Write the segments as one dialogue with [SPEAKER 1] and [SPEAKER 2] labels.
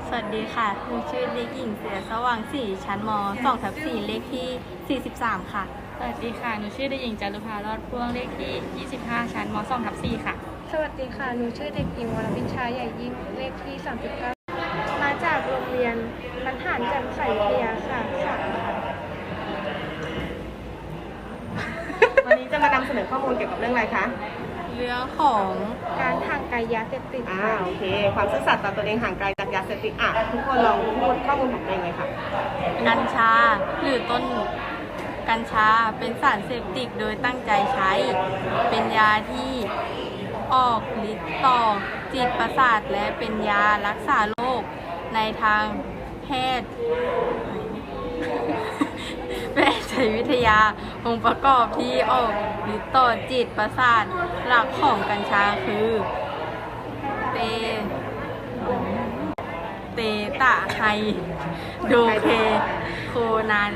[SPEAKER 1] สวัสดีค่ะหนูชื่อเด็กหญิงเสือสว่างสีชั้นม2/4เลขที่43ค่ะ
[SPEAKER 2] สวัสดีค่ะหนูชื่อเด็กหญิงจารุภารอดพ่วงเลขที่25ชั้นม2/4ค่ะ
[SPEAKER 3] สวัสดีค่ะ หนูชื่อเด็กหญิงวรพิชชาใหญ่ยิ่ง เลขที่39มาจากโรงเรียนบรรหารแจ่มใสวิทยาค่ะ
[SPEAKER 4] วันนี้จะมานำเสนอข้อมูลเกี่ยวกับเรื่องอะไรคะ
[SPEAKER 1] เรื่องของ
[SPEAKER 3] การห่างไกลยาเสพติดค่ะ
[SPEAKER 4] โอเค ความซื่อสัตย์ต่อตัวเองห่างไกลจากยาเสพติดทุกคนลองพูดข้อมูลของตัวเองเลยค่ะ
[SPEAKER 1] กัญชาหรือต้นกัญชาเป็นสารเสพติดโดยตั้งใจใช้ เป็นยาที่ออกฤทธิ์ต่อจิตประสาทและเป็นยารักษาโรคในทางแพทย์ แพทยวิทยาองค์ประกอบที่ออกฤทธิ์ต่อจิตประสาทหลักของกัญชาคือเตตะไฮโดเคโคนาน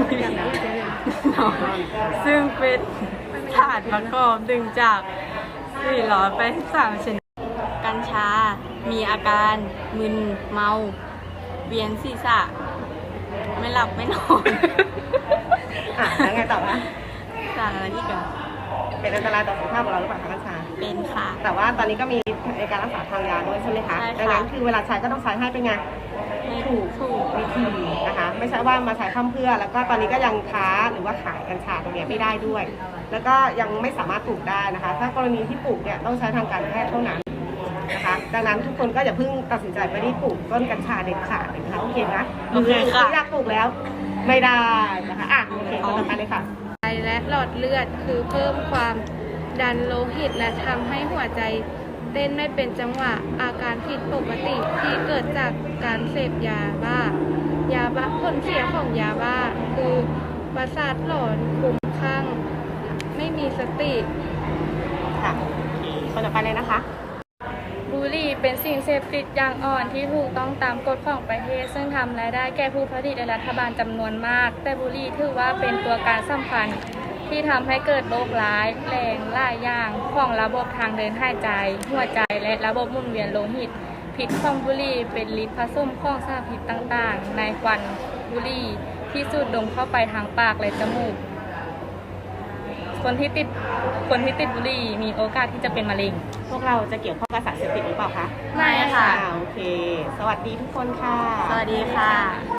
[SPEAKER 1] ซึ่งเป็นสารประกอบดึงจาก483ชนิดกัญชา มีอาการมึนเมาเวียนศีรษะไม่หลับไม่นอน
[SPEAKER 4] แล้วไงต่อคะ
[SPEAKER 1] สารอะไรอีกอะ
[SPEAKER 4] เป็นอันตรายต่อสุขภาพของเราหรือเปล่าคะกัญชา
[SPEAKER 1] เป็นค่ะ
[SPEAKER 4] แต่ว่าตอนนี้ก็มีในการรักษาทางยาด้วยใช่ไหมคะ
[SPEAKER 1] ใช่ค่ะ
[SPEAKER 4] ดังนั้นคือเวลาใช้ก็ต้องใช้ให้เป็นไง ถูกวิธีนะคะ ไม่ใช่ว่ามาใช้พร่ำเพรื่อ แล้วก็ตอนนี้ก็ยังค้าหรือว่าขายกัญชาตรงนี้ไม่ได้ด้วย แล้วก็ยังไม่สามารถปลูกได้นะคะ ถ้ากรณีที่ปลูกเนี่ยต้องใช้ทางการแพทย์เท่านั้นนะคะ ดังนั้นทุกคนก็อย่าเพิ่งตัดสินใจไปที่ปลูกต้นกัญชาเด็ดขาดเลยนะคะโอเคนะ
[SPEAKER 1] โอเคค่ะ
[SPEAKER 4] อยากปลูกแล้วไม่ได้นะคะโอเคคนต่อไปเลยค่ะ
[SPEAKER 3] และหลอดเลือดคือเพิ่มความดันโลหิตและทำให้หัวใจเต้นไม่เป็นจังหวะอาการผิดปกติที่เกิดจากการเสพยาบ้ผลเสียของยาบ้าคือประสาทหลอนคลุ้มคลั่งไม่มีสติ
[SPEAKER 4] ค่ะคนต่อไปเลยนะคะ
[SPEAKER 2] บุหรี่เป็นสิ่งเสพติดอย่างอ่อนที่ถูกต้องตามกฎของประเทศซึ่งทำรายได้แก่ผู้ผลิตและรัฐบาลจำนวนมาก แต่บุหรี่ถือว่าเป็นตัวการสำคัญที่ทำให้เกิดโรคร้ายแรงหลายอย่างของระบบทางเดินหายใจ หัวใจและระบบหมุนเวียนโลหิตพิษของบุหรี่เป็นฤทธิ์ผสมของสารพิษต่างๆในควันบุหรี่ที่สูดดมเข้าไปทางปากและจมูกคนที่ติดบุหรี่มีโอกาสที่จะเป็นมะเร็ง
[SPEAKER 4] พวกเราจะเกี่ยวข้องกับสารเสพติดหรือเปล่าคะ
[SPEAKER 1] ไม่ค่ะ
[SPEAKER 4] โอเค สวัสดีทุกคนค่ะ
[SPEAKER 1] สวัสดีค่ะ